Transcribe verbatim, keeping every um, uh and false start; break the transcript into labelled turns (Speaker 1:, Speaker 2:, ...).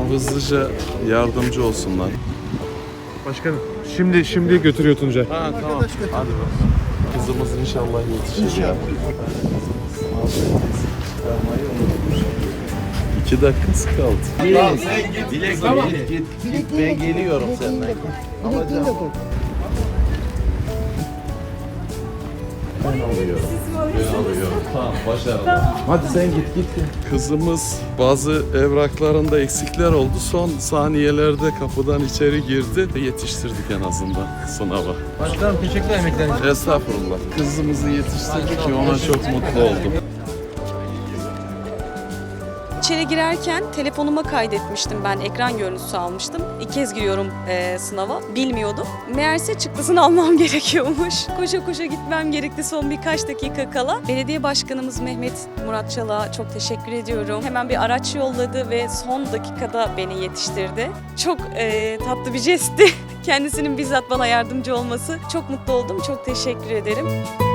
Speaker 1: hızlıca yardımcı olsunlar.
Speaker 2: Başkanım şimdi şimdi götürüyor Tuncay.
Speaker 1: Ha tamam. Hadi bakalım. Kızımız inşallah yetişir ya. İki dakikası kaldı.
Speaker 3: Tamam sen git. Dilek tamam. Git git. Git ben geliyorum senden. Alacağım. Ben alıyorum. Ben alıyorum. Tamam başarılı. Hadi sen git git.
Speaker 1: Kızımız bazı evraklarında eksikler oldu. Son saniyelerde kapıdan içeri girdi. Yetiştirdik en azından sınava.
Speaker 3: Başkanım teşekkürler emekleriniz için.
Speaker 1: Estağfurullah. Kızımızı yetiştirdik ki ona çok mutlu oldum.
Speaker 4: İçeri girerken telefonuma kaydetmiştim, ben ekran görüntüsü almıştım. İlk kez giriyorum e, sınava, bilmiyordum. Meğerse çıktısını almam gerekiyormuş. Koşa koşa gitmem gerekti son birkaç dakika kala. Belediye Başkanımız Mehmet Murat Çalık'a çok teşekkür ediyorum. Hemen bir araç yolladı ve son dakikada beni yetiştirdi. Çok e, tatlı bir jestti. Kendisinin bizzat bana yardımcı olması. Çok mutlu oldum, çok teşekkür ederim.